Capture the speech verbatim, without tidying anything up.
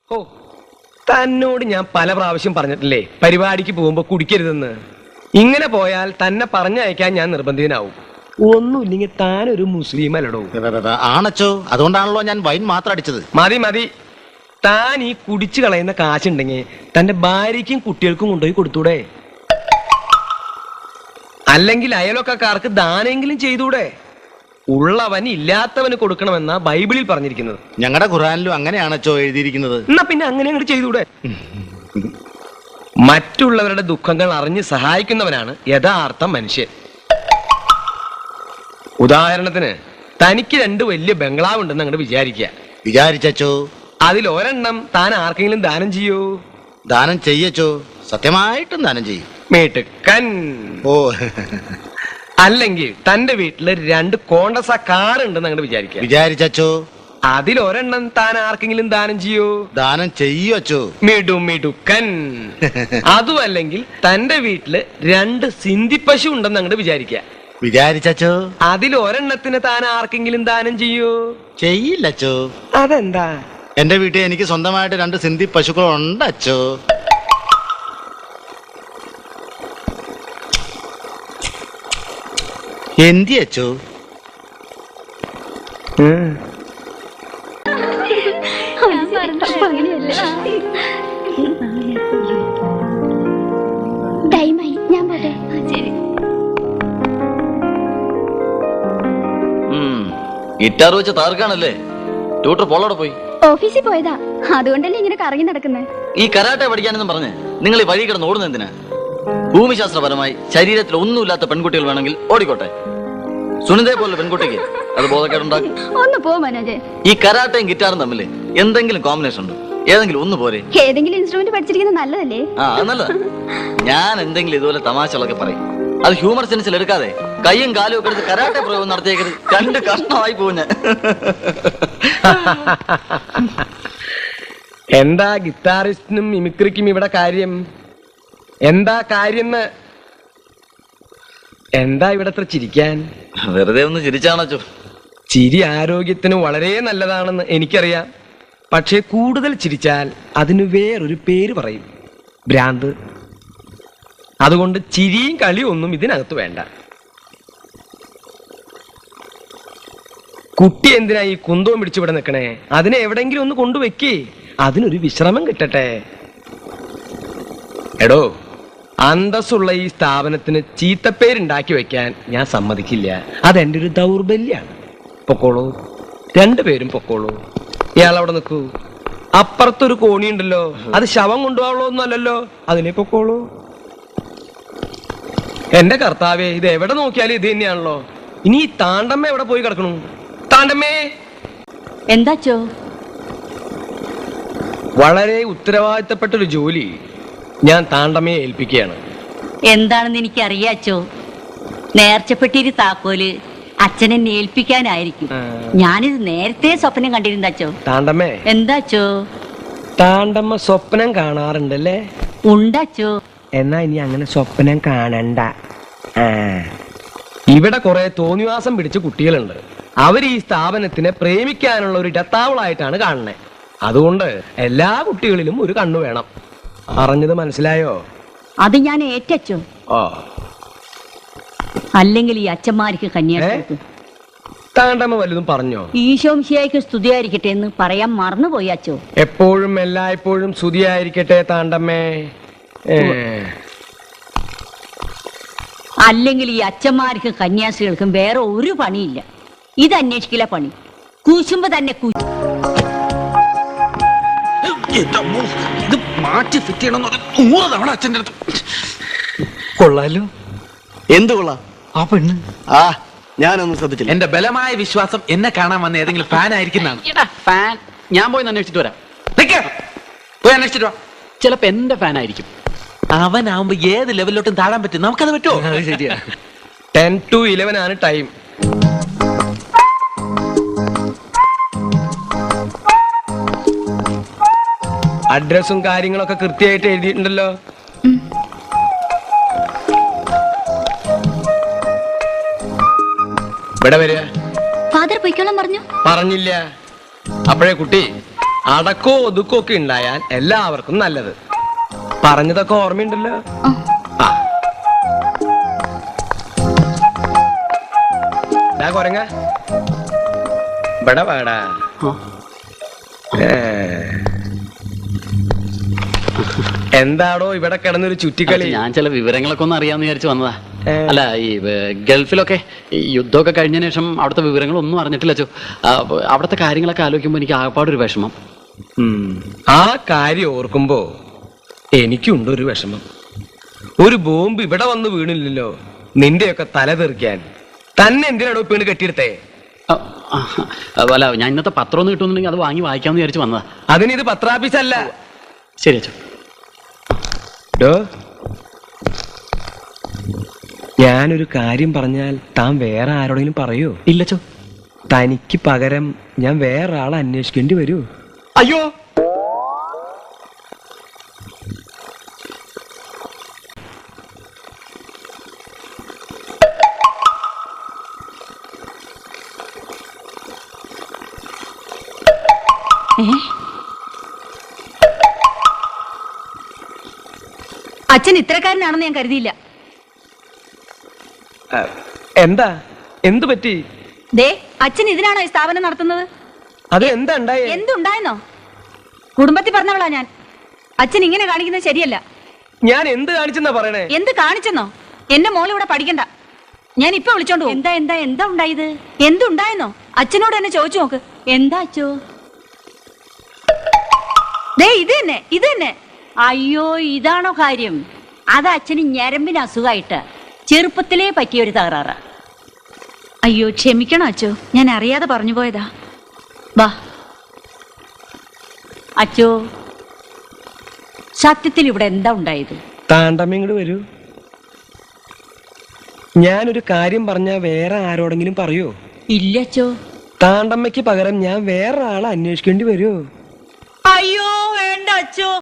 ഓ, തന്നോട് ഞാൻ പല പ്രാവശ്യം പറഞ്ഞിട്ടില്ലേ പരിപാടിക്ക് പോകുമ്പോ കുടിക്കരുതെന്ന്. ഇങ്ങനെ പോയാൽ തന്നെ പറഞ്ഞയക്കാൻ ഞാൻ നിർബന്ധിതനാവും. ഒന്നുമില്ലെങ്കിൽ താനൊരു മുസ്ലിം അല്ലടോ. ആണച്ചോ, അതുകൊണ്ടാണല്ലോ ഞാൻ വൈൻ മാത്രം അടിച്ചത്. മതി മതി, താൻ ഈ കുടിച്ചു കളയുന്ന കാശുണ്ടെങ്കിൽ തന്റെ ഭാര്യയ്ക്കും കുട്ടികൾക്കും കൊണ്ടുപോയി കൊടുത്തൂടെ? അല്ലെങ്കിൽ അയലൊക്കാർക്ക് ദാനെങ്കിലും ചെയ്തൂടെ? ഉള്ളവൻ ഇല്ലാത്തവന് കൊടുക്കണമെന്നാ ബൈബിളിൽ പറഞ്ഞിരിക്കുന്നത്. ഞങ്ങളുടെ ഖുർആനിലും അങ്ങനെയാണച്ചോ എഴുതിയിരിക്കുന്നത്. എന്നാ പിന്നെ അങ്ങനെ അങ്ങോട്ട് ചെയ്തൂടെ? മറ്റുള്ളവരുടെ ദുഃഖങ്ങൾ അറിഞ്ഞ് സഹായിക്കുന്നവനാണ് യഥാർത്ഥ മനുഷ്യൻ. ഉദാഹരണത്തിന് തനിക്ക് രണ്ട് വലിയ ബംഗ്ലാവ് ഉണ്ടെന്ന് അങ്ങോട്ട് വിചാരിക്കുക. വിചാരിച്ചോ? അതിൽ ഒരെണ്ണം താൻ ആർക്കെങ്കിലും ദാനം ചെയ്യൂ? ദാനം ചെയ്യച്ചോ, സത്യമായിട്ടും ദാനം ചെയ്യും. മേട്ടുക്കൻ. ഓ, അല്ലെങ്കിൽ തന്റെ വീട്ടില് രണ്ട് കോണ്ടസ കാർ ഉണ്ടെന്ന് അങ്ങോട്ട് വിചാരിക്കുക. വിചാരിച്ചോ? അതിലൊരെണ്ണം താൻ ആർക്കെങ്കിലും ദാനം ചെയ്യൂ? ദാനം ചെയ്യച്ചോ. മിടു മിടുക്കൻ. അതും അല്ലെങ്കിൽ തന്റെ വീട്ടില് രണ്ട് സിന്ധി പശു ഉണ്ടെന്ന് അങ്ങോട്ട് വിചാരിക്കുക. വിചാരിച്ചോ? അതിലൊരെണ്ണത്തിന് താൻ ആർക്കെങ്കിലും ദാനം ചെയ്യൂ? ചെയ്യില്ലച്ചോ. അതെന്താ? എന്റെ വീട്ടിൽ എനിക്ക് സ്വന്തമായിട്ട് രണ്ട് സിന്ധി പശുക്കൾ ഉണ്ടച്ചോ. എന്തിയച്ചോ? ഞാൻ പോട്ടെ. ഗിറ്റാർ വെച്ച് താർക്കാണല്ലേ? ട്യൂട്ടർ പോളോടെ പോയി. ഓഫീസിൽ പോയതാ, അതുകൊണ്ടല്ലേ ഇങ്ങനെ കറങ്ങി നടക്കുന്നത്. ഈ കരാട്ടെ പഠിക്കാനെന്നും പറഞ്ഞ് നിങ്ങൾ ഈ വഴി കിടന്ന് ഓടുന്ന എന്തിനാ? ഭൂമിശാസ്ത്രപരമായി ശരീരത്തിൽ ഒന്നുമില്ലാത്ത പെൺകുട്ടികൾ വേണമെങ്കിൽ ഓടിക്കോട്ടെ. സുനിതയെ പോലെ പെൺകുട്ടിക്ക് അത് ബോധക്കേടുണ്ടാക്കും. ഒന്ന് പോ മനോജ്. ഈ കരാട്ടയും ഗിറ്റാറും തമ്മിൽ എന്തെങ്കിലും കോമ്പിനേഷൻ ഉണ്ടോ? ഏതെങ്കിലും ഒന്ന് പോരെ? ഏതെങ്കിലും ഇൻസ്ട്രുമെന്റ് പഠിച്ചിരിക്കുന്നത് നല്ലതല്ലേ? ആ, അത് നല്ലതാ. ഞാൻ എന്തെങ്കിലും ഇതുപോലെ തമാശകളൊക്കെ പറയും. അത് ഹ്യൂമർ സെൻസിൽ എടുക്കാതെ കയ്യും കാലും ഒക്കെ എടുത്ത് കരാട്ടെ പ്രയോഗം നടത്തിയേക്കരുത്. രണ്ട് കഷ്ണമായി പോകും ഞാൻ. എന്താ ഗിറ്റാറിസ്റ്റിനും മിമിക്രിക്കും ഇവിടെ കാര്യം? എന്താ കാര്യം? എന്താ ഇവിടെ അത്ര ചിരിക്കാൻ? വെറുതെ ഒന്ന് ചിരിച്ചാണോ? ചിരി ആരോഗ്യത്തിന് വളരെ നല്ലതാണെന്ന് എനിക്കറിയാം. പക്ഷെ കൂടുതൽ ചിരിച്ചാൽ അതിന് വേറൊരു പേര് പറയും, ഭ്രാന്ത്. അതുകൊണ്ട് ചിരിയും കളിയും ഒന്നും ഇതിനകത്ത് വേണ്ട. കുട്ടി എന്തിനാ ഈ കുന്തവും പിടിച്ചു ഇവിടെ നിൽക്കണേ? അതിനെ എവിടെങ്കിലും ഒന്ന് കൊണ്ടുവെക്കേ, അതിനൊരു വിശ്രമം കിട്ടട്ടെ. എടോ, അന്തസ്സുള്ള ഈ സ്ഥാപനത്തിന് ചീത്തപ്പേരുണ്ടാക്കി വെക്കാൻ ഞാൻ സമ്മതിക്കില്ല. അതെന്റെ ഒരു ദൗർബല്യാണ്. പൊക്കോളൂ, രണ്ടുപേരും പൊക്കോളൂ. ഇയാൾ അവിടെ നിൽക്കൂ. അപ്പുറത്തൊരു കോണിയുണ്ടല്ലോ, അത് ശവം കൊണ്ടുപോകാനുള്ള ഒന്നും അല്ലല്ലോ, അതിനെ പൊക്കോളൂ. എന്റെ കർത്താവേ, ഇത് എവിടെ നോക്കിയാലും ഇത് തന്നെയാണല്ലോ. ഇനി ഈ താണ്ടമ്മ എവിടെ പോയി കിടക്കണു? താണ്ടമ്മേ. എന്താച്ചോ? വളരെ ഉത്തരവാദിത്തപ്പെട്ടൊരു ജോലി ഞാൻ താണ്ടമ്മയെ ഏൽപ്പിക്കുകയാണ്. എന്താണെന്ന് എനിക്ക് അറിയാച്ചോ. നേർച്ചപ്പെട്ടിരി താക്കോല് അച്ഛനെ ഏൽപ്പിക്കാനായിരിക്കും. ഞാനിത് നേരത്തെ സ്വപ്നം കണ്ടിരുന്നാച്ചോ. താണ്ടമ്മേ. എന്താച്ചോ? താണ്ടമ്മ സ്വപ്നം കാണാറുണ്ടല്ലേ? ഉണ്ടാച്ചോ. എന്നാ ഇനി അങ്ങനെ സ്വപ്നം കാണണ്ട. ഇവിടെ കുറെ തോന്നിവാസം പിടിച്ച കുട്ടികളുണ്ട്. അവർ ഈ സ്ഥാപനത്തിനെ പ്രേമിക്കാനുള്ള ഒരു ഇടത്താവളായിട്ടാണ് കാണുന്നത്. അതുകൊണ്ട് എല്ലാ കുട്ടികളിലും ഒരു കണ്ണു വേണം. അറിഞ്ഞത് മനസ്സിലായോ? അത് ഞാൻ ഏറ്റച്ചോ. ഓ, അല്ലെങ്കിൽ ഈ അച്ഛന്മാർക്ക് കന്യാസ്ത്രീ താണ്ടമ്മ വല്ലതും പറഞ്ഞോ? ഈശോംശിയായിക്ക് സ്തുതിയായിരിക്കട്ടെ എന്ന് പറയാൻ മറന്നുപോയി അച്ചോ. എപ്പോഴും എല്ലായ്പ്പോഴും സ്തുതിയായിരിക്കട്ടെ താണ്ടമ്മേ. അല്ലെങ്കിൽ ഈ അച്ഛന്മാർക്കും കന്യാസ്ത്രീകൾക്കും വേറെ ഒരു പണിയില്ല. ഇത് അന്വേഷിക്കില്ല പണി. കൂശുമ്പോ തന്നെ ഇത് മാറ്റി ഫിറ്റ് ചെയ്യണമെന്ന് നൂറ് തവണ അച്ഛൻ്റെ അടുത്ത്. കൊള്ളാലോ. എന്ത് കൊള്ളാം? ആ പെണ്ണ്. ആ, ഞാനൊന്നും ശ്രദ്ധിച്ചില്ല. എന്റെ ബലമായ വിശ്വാസം എന്നെ കാണാൻ വന്ന ഏതെങ്കിലും ഫാൻ ആയിരിക്കുന്നതാണ്. ഫാൻ ഞാൻ പോയി അന്വേഷിച്ചിട്ട് വരാം. പോയി അന്വേഷിച്ചിട്ട് വാ. ചിലപ്പോ എന്റെ ഫാൻ ആയിരിക്കും. അവനാവുമ്പോ ഏത് ലെവലിലോട്ടും താഴാൻ പറ്റും. നമുക്കത് പറ്റുമോ? ശരിയാ. ടെൻ ടു ഇലവൻ ആണ് ടൈം. അഡ്രസ്സും കാര്യങ്ങളൊക്കെ കൃത്യമായിട്ട് എഴുതിയിട്ടുണ്ടല്ലോ. ഇവിടെ വരിക. ഫാദർ പൊയ്ക്കോളാൻ പറഞ്ഞു. പറഞ്ഞില്ല. അപ്പോഴേ കുട്ടി അടക്കോ ഒതുക്കോ ഒക്കെ ഉണ്ടായാൽ എല്ലാവർക്കും നല്ലത്. പറഞ്ഞതൊക്കെ ഓർമ്മയുണ്ടല്ലോ. ആ ഡാ കൊരങ്ങ, ഇവിടെ വാടാ. ഏ. എന്താടോ ഇവിടെ കിടന്നൊരു ചുറ്റിക്കളി? ഞാൻ ചില വിവരങ്ങളൊക്കെ ഒന്ന് അറിയാന്ന് വിചാരിച്ചു വന്നതാ. ഏ. അല്ല, ഈ ഏർ, ഗൾഫിലൊക്കെ ഈ യുദ്ധമൊക്കെ കഴിഞ്ഞതിന് ശേഷം അവിടുത്തെ വിവരങ്ങളൊന്നും അറിഞ്ഞിട്ടില്ല അച്ചോ. ആ, അവിടുത്തെ കാര്യങ്ങളൊക്കെ ആലോചിക്കുമ്പോൾ എനിക്ക് ആകപ്പാടൊരു വിഷമം. ഉം. ആ കാര്യം ഓർക്കുമ്പോ എനിക്കുണ്ട് ഒരു വിഷമം. ഒരു ബോംബ് ഇവിടെ വന്ന് വീണില്ലല്ലോ നിന്റെയൊക്കെ തല തെറിക്കാൻ. തന്നെ എന്തിനാണോ വീണ് കെട്ടിയെടുത്തേ? ആ, ആ, അല്ല, ഞാൻ ഇന്നത്തെ പത്രം ഒന്ന് കിട്ടുന്നുണ്ടെങ്കിൽ അത് വാങ്ങി വായിക്കാമെന്ന് വിചാരിച്ചു വന്നതാ. അതിനിത് പത്രാഫീസല്ല. ശരി അച്ചോ. ഡോ, ഞാനൊരു കാര്യം പറഞ്ഞാൽ താൻ വേറെ ആരോടെങ്കിലും പറയോ? ഇല്ലച്ചോ. തനിക്ക് പകരം ഞാൻ വേറെ ആളെ അന്വേഷിക്കേണ്ടി വരൂ. അയ്യോ, അച്ഛൻ ഇത്രക്കാരനാണെന്ന് ഞാൻ കരുതിയില്ല. ആ, എന്താ എന്തു പറ്റി? ദേ, അച്ഛൻ ഇതിനാണോ ഈ സ്ഥാപനം നടത്തുന്നത്? അത് എന്താ ഉണ്ടായേ? എന്തുണ്ടായെന്നോ? കുടുംബത്തിൽ പറഞ്ഞവളാ ഞാൻ. അച്ഛൻ ഇങ്ങനെ കാണിക്കുന്നത് ശരിയല്ല. ഞാൻ എന്ത് കാണിച്ചെന്നാ പറയണേ? എന്ത് കാണിച്ചെന്നോ? എന്റെ മോൾ ഇവിടെ പഠിക്കണ്ട. ഞാൻ ഇപ്പൊ വിളിച്ചോണ്ട് പോകും. എന്താ എന്താ എന്താ ഉണ്ടായത്? എന്തുണ്ടായെന്നോ? അച്ഛനോട് എന്നെ ചോദിച്ചു നോക്ക്. എന്താ അച്ഛോ? ദേ, ഇത് തന്നെ ഇത് തന്നെ. അയ്യോ, ഇതാണോ കാര്യം? അത് അച്ഛന് ഞരമ്പിന് അസുഖമായിട്ട് ചെറുപ്പത്തിലേ പറ്റിയൊരു തകരാറ്. അയ്യോ, ക്ഷമിക്കണം അച്ഛോ, ഞാൻ അറിയാതെ പറഞ്ഞു പോയതാ. വാ അച്ഛോ, സത്യത്തിൽ ഇവിടെ എന്താ ഉണ്ടായത്? താണ്ടമ്മ ഇങ്ങോട്ട് വരൂ. ഞാനൊരു കാര്യം പറഞ്ഞാ വേറെ ആരോടെങ്കിലും പറയോ? ഇല്ല അച്ഛോ. താണ്ടമ്മയ്ക്ക് പകരം ഞാൻ വേറെ ആളെ അന്വേഷിക്കേണ്ടി വരുമോ? അയ്യോ, വേണ്ട അച്ഛോ.